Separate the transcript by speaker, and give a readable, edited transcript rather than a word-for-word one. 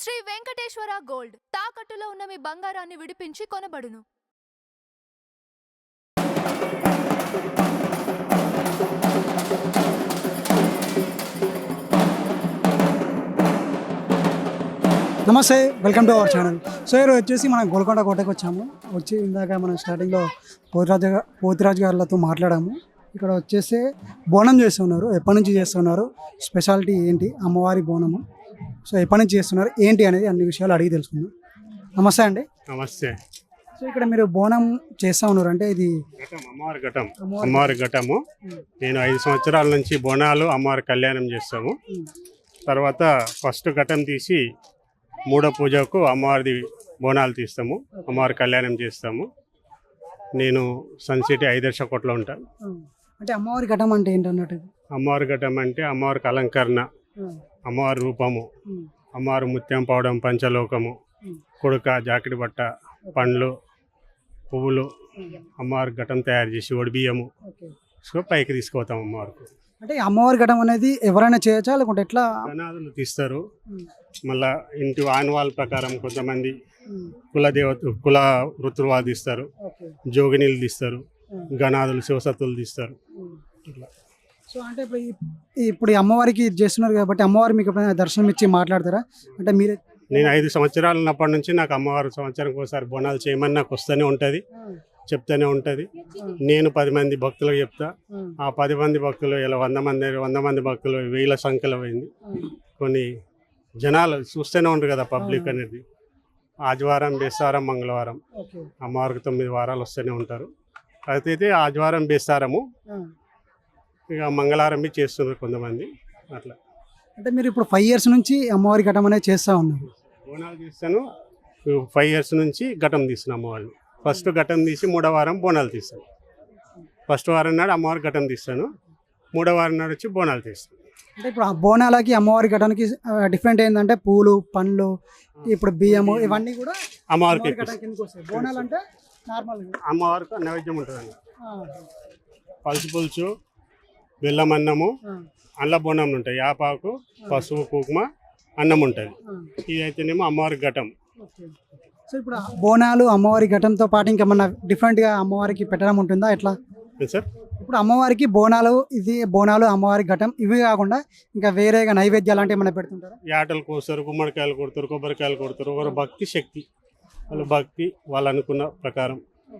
Speaker 1: Shri Venkateswara gold తాకట్టులో ఉన్న మీ బంగారాన్ని విడిపించి కొనబడును.
Speaker 2: నమస్తే, welcome to our channel. So ఈరోజు వచ్చేసి మనం గోల్కొండ కోటకు వచ్చాము. వచ్చి ఇందాక మనం స్టార్టింగ్లో పోతిరాజు గారితో మాట్లాడాము. ఇక్కడ వచ్చేసి బోనం చేస్తున్నారు. ఎప్పటి నుంచి చేస్తున్నారు, స్పెషాలిటీ ఏంటి, అమ్మవారి బోనము, సో ఎప్పటి నుంచి చేస్తున్నారు ఏంటి అనేది అన్ని విషయాలు అడిగి తెలుసుకుందాం. నమస్తే అండి.
Speaker 3: నమస్తే.
Speaker 2: సో ఇక్కడ మీరు బోనం చేస్తూ ఉన్నారు అంటే ఇది
Speaker 3: అమ్మవారి ఘటము. నేను 5 సంవత్సరాల నుంచి బోనాలు అమ్మవారి కళ్యాణం చేస్తాము. తర్వాత ఫస్ట్ ఘటం తీసి మూడో పూజకు అమ్మవారిది బోనాలు తీస్తాము, అమ్మవారి కళ్యాణం చేస్తాము. నేను సన్సిటీ 5 కోట్లో ఉంటాను.
Speaker 2: అంటే అమ్మవారి ఘటం అంటే ఏంటన్నట్టు?
Speaker 3: అమ్మవారి ఘటం అంటే అమ్మవారికి అలంకరణ, అమ్మవారి రూపము, అమ్మవారి ముత్యం పవడం, పంచలోకము, కుడుక, జాకెట్ బట్ట, పండ్లు, పువ్వులు, అమ్మవారి ఘటం తయారు చేసి ఒడిబియ్యము సో పైకి తీసుకుపోతాం అమ్మవారికి.
Speaker 2: అంటే అమ్మవారి ఘటం అనేది ఎవరైనా చేయొచ్చా లేకుంటే ఎట్లా?
Speaker 3: గణాదులు తీస్తారు. మళ్ళా ఇంటి ఆనవాళ్ళ ప్రకారం కొంతమంది కుల వృత్తులు తీస్తారు, జోగినీలు తీస్తారు, గణాదులు శివసత్తులు తీస్తారు. ఇట్లా
Speaker 2: సో అంటే ఇప్పుడు అమ్మవారికి చేస్తున్నారు కాబట్టి అమ్మవారు మీకు ఎప్పుడైనా దర్శనం ఇచ్చి మాట్లాడతారా? అంటే మీరే
Speaker 3: నేను 5 సంవత్సరాలు ఉన్నప్పటి నుంచి నాకు అమ్మవారు సంవత్సరానికి ఒకసారి బోనాలు చేయమని నాకు వస్తూనే ఉంటుంది, చెప్తూనే ఉంటుంది. నేను 10 మంది భక్తులకు చెప్తా. ఆ 10 మంది భక్తులు ఇలా 100 మంది భక్తులు 1000 సంఖ్యలో అయింది. కొన్ని జనాలు చూస్తూనే ఉంటారు కదా పబ్లిక్ అనేది. ఆదివారం, బేస్తారం, మంగళవారం అమ్మవారికి 9 వారాలు వస్తూనే ఉంటారు. అయితే ఆదివారం, బేస్తారము, ఇక మంగళవారం చేస్తున్నారు కొంతమంది. అట్లా
Speaker 2: అంటే మీరు ఇప్పుడు 5 years నుంచి అమ్మవారి ఘటం అనేది చేస్తూ ఉన్నారు.
Speaker 3: బోనాలు తీస్తాను. 5 years నుంచి ఘటం తీస్తున్నాను అమ్మవారిని. ఫస్ట్ ఘటం తీసి 3వ వారం బోనాలు తీస్తాను. ఫస్ట్ వారం నాడు అమ్మవారి ఘటం తీస్తాను, 3వ వారం నాడు వచ్చి బోనాలు తీస్తాను.
Speaker 2: అంటే ఇప్పుడు ఆ బోనాలకి అమ్మవారి ఘటానికి డిఫరెంట్ ఏంటంటే పూలు, పండ్లు, ఇప్పుడు బియ్యము ఇవన్నీ కూడా
Speaker 3: అమ్మవారికి
Speaker 2: బోనాలు అంటే నార్మల్
Speaker 3: అమ్మవారికి నైవేద్యం ఉంటుందండి. పలుసు పులుసు, బెల్లం అన్నము, అల్ల బోనం ఉంటాయి, యాపాకు, పసుపు, కుంకుమ, అన్నం ఉంటుంది. ఇది అయితేనేమో అమ్మవారి ఘటం.
Speaker 2: సో ఇప్పుడు బోనాలు అమ్మవారి ఘటంతో పాటు ఇంకేమన్నా డిఫరెంట్గా అమ్మవారికి పెట్టడం ఉంటుందా ఎట్లా
Speaker 3: సార్?
Speaker 2: ఇప్పుడు అమ్మవారికి బోనాలు, బోనాలు అమ్మవారి ఘటం ఇవి కాకుండా ఇంకా వేరేగా నైవేద్యాలు అంటే ఏమైనా పెడుతుంటారా?
Speaker 3: యాటలు కోస్తారు, గుమ్మడికాయలు కొడతారు, కొబ్బరికాయలు కొడతారు. ఒకరు భక్తి శక్తి, వాళ్ళ భక్తి వాళ్ళు అనుకున్న ప్రకారం